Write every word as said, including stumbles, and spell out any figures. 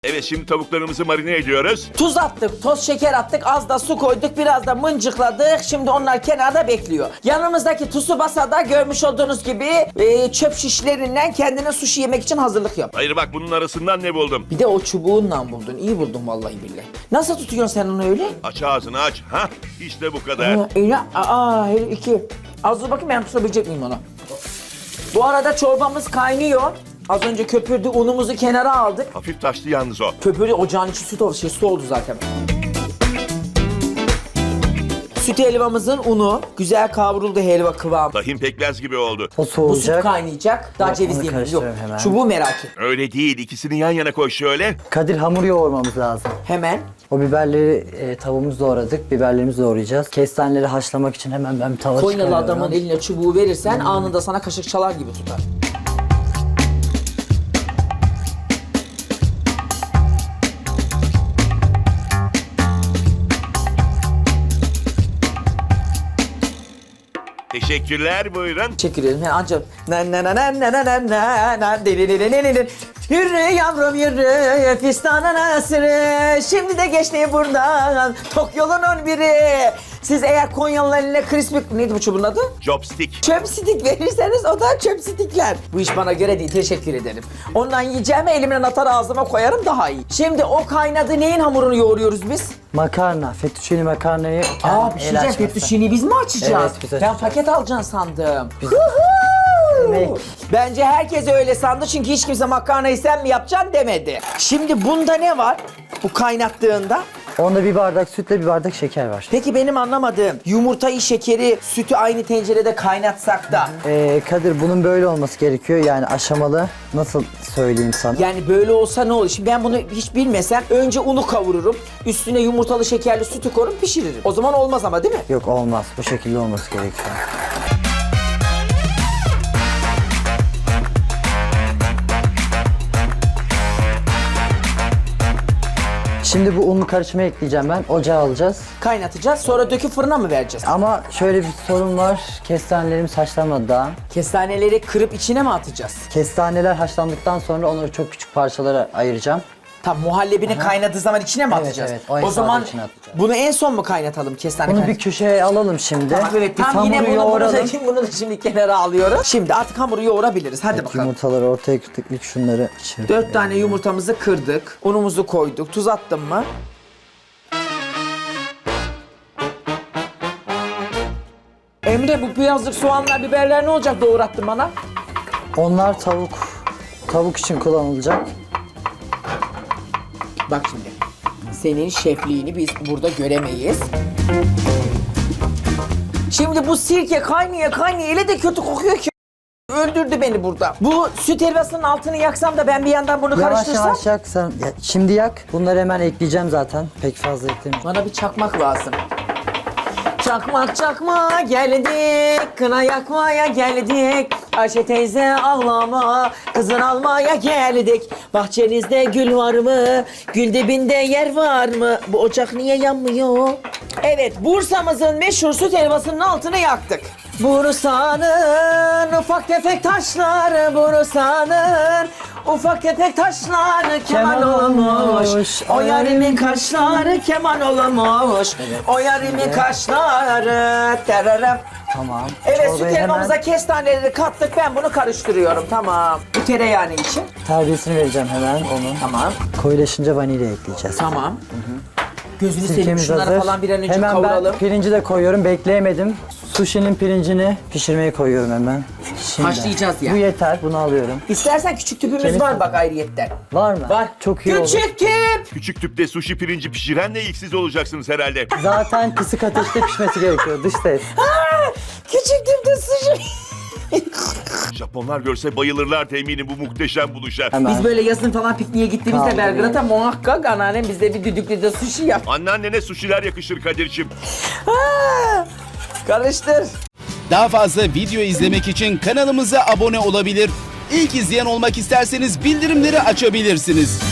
Evet, şimdi tavuklarımızı marine ediyoruz. Tuz attık, toz şeker attık, az da su koyduk, biraz da mıncıkladık. Şimdi onlar kenarda bekliyor. Yanımızdaki Tsubasa'da görmüş olduğunuz gibi e, çöp şişlerinden kendine sushi yemek için hazırlık yap. Hayır bak, bunun arasından ne buldum? Bir de o çubuğunla buldun. İyi buldun vallahi billahi. Nasıl tutuyorsun sen onu öyle? Aç ağzını aç. Hah, işte bu kadar. Ha, öyle. Aa, hele iki. Az dur bakayım ben tutabilecek miyim onu? Bu arada çorbamız kaynıyor. Az önce köpürdü, unumuzu kenara aldık. Hafif taşlı yalnız o. Köpürdü, ocağın içi süt oldu, şey, su oldu zaten. Süt helvamızın unu güzel kavruldu, helva kıvam. Tahin pekmez gibi oldu. O Bu süt soğuyacak. kaynayacak. Daha Yok, ceviz onu yemeyiz. Yok. karıştırıyorum hemen. Çubuğu merak et. Öyle değil, ikisini yan yana koy şöyle. Kadir, hamur yoğurmamız lazım. Hemen. O biberleri e, tavuğumuzu doğradık. Biberlerimizi doğrayacağız. Kestaneleri haşlamak için hemen ben bir tava Konyalı çıkarıyorum. adamın eline çubuğu verirsen anında sana kaşık çalar gibi tutar. Teşekkürler, buyurun. Teşekkür ederim. Yani ancak na na na na na na na na na deli deli deli deli. Yürü yavrum yürü fistanın asırı. Şimdi de geçti buradan tok yolunun biri. Siz eğer Konyalılar eline crispy... Neydi bu çubuğun adı? Chopstick. Chopstick verirseniz o da chopstickler. Bu iş bana göre değil, teşekkür ederim. Ondan yiyeceğime elimden atar ağzıma koyarım, daha iyi. Şimdi o kaynadı, neyin hamurunu yoğuruyoruz biz? Makarna, fettuccine makarnayı Aa, el bir şey diyeceğim, açması. fettuccine'yi biz mi açacağız? Evet, biz Ben açacağız. paket alacaksın sandım. Demek. Bence herkes öyle sandı çünkü hiç kimse makarnayı sen mi yapacaksın demedi. Şimdi bunda ne var bu kaynattığında? Onda bir bardak sütle bir bardak şeker var. Peki benim anlamadığım, yumurtayı, şekeri, sütü aynı tencerede kaynatsak da... Ee, Kadir, bunun böyle olması gerekiyor. Yani aşamalı. Nasıl söyleyeyim sana? Yani böyle olsa ne olur? Şimdi ben bunu hiç bilmesem önce unu kavururum, üstüne yumurtalı şekerli sütü koyup pişiririm. O zaman olmaz ama değil mi? Yok, olmaz. Bu şekilde olması gerekiyor. Şimdi bu unlu karışımı ekleyeceğim ben. Ocağa alacağız. Kaynatacağız, sonra döküp fırına mı vereceğiz? Ama şöyle bir sorun var. Kestanelerimiz haşlanmadı daha. Kestaneleri kırıp içine mi atacağız? Kestaneler haşlandıktan sonra onları çok küçük parçalara ayıracağım. Tam muhallebini kaynadığı zaman içine mi Evet, atacağız? evet, o O esnada zaman içine atacağız. bunu en son mu kaynatalım kestane Bunu kaynat- bir köşeye alalım şimdi. Tamam, evet, Biz tam yine hamuru bunu, bunu, da, yoğuralım. bunu da şimdi kenara alıyoruz. Şimdi artık hamuru yoğurabiliriz. Hadi Evet, bakalım. yumurtaları ortaya kırdık. İlk şunları içeri. Dört tane yumurtamızı kırdık. Unumuzu koyduk. Tuz attım mı? Emre, bu piyazlık soğanlar, biberler ne olacak doğrattın bana? Onlar tavuk. Tavuk için kullanılacak. Bak şimdi. Senin şefliğini biz burada göremeyiz. Şimdi bu sirke kaynaya kaynaya öyle de kötü kokuyor ki. Öldürdü beni burada. Bu süt helvasının altını yaksam da ben bir yandan bunu Yavaş karıştırsam. yavaş yak sen. Ya, şimdi yak. Bunları hemen ekleyeceğim zaten. Pek fazla eklemeyeceğim. Bana bir çakmak lazım. Çakmak çakma geldik, kına yakmaya geldik. Ayşe teyze ağlama, kızın almaya geldik. Bahçenizde gül var mı? Gül dibinde yer var mı? Bu ocak niye yanmıyor? Evet, Bursa'mızın meşhur süt helvasının altını yaktık. Bursa'nın ufak tefek taşları, Bursa'nın ufak tefek taşları keman Keman olmuş. olmuş. O yarimin kaşları keman olmuş. O yarimin kaşları tererem. Tamam. Evet, Çorbayı süt hemen helvamıza kestaneleri kattık, ben bunu karıştırıyorum, tamam. Bu tereyağını için. terbiyesini vereceğim hemen onun. Tamam, Koyulaşınca vanilya ekleyeceğiz. tamam. Gözünü seveyim, Sirkemiz şunları hazır. falan bir an önce hemen kavuralım. ben pirinci de koyuyorum. Bekleyemedim. Sushi'nin pirincini pişirmeye koyuyorum hemen. Şimdi. Haşlayacağız ya. Bu yeter. Bunu alıyorum. İstersen küçük tüpümüz Kemik var mi? bak ayrıyetten. Var mı? Var. Çok iyi olur. Küçük tüp! Küçük tüpte sushi pirinci pişirenle ilk siz olacaksınız herhalde. Zaten kısık ateşte pişmesi gerekiyor. Dış ses. Aa, küçük tüpte sushi. Japonlar görse bayılırlar eminim bu muhteşem buluşa. Hemen. Biz böyle yazın falan pikniğe gittiğimizde Kaldı. Belgrad'a muhakkak anneannem bizde bir düdüklü de sushi yap. Anneannene sushiler yakışır Kadir'cim. Aa, karıştır. Daha fazla video izlemek için kanalımıza abone olabilir. İlk izleyen olmak isterseniz bildirimleri açabilirsiniz.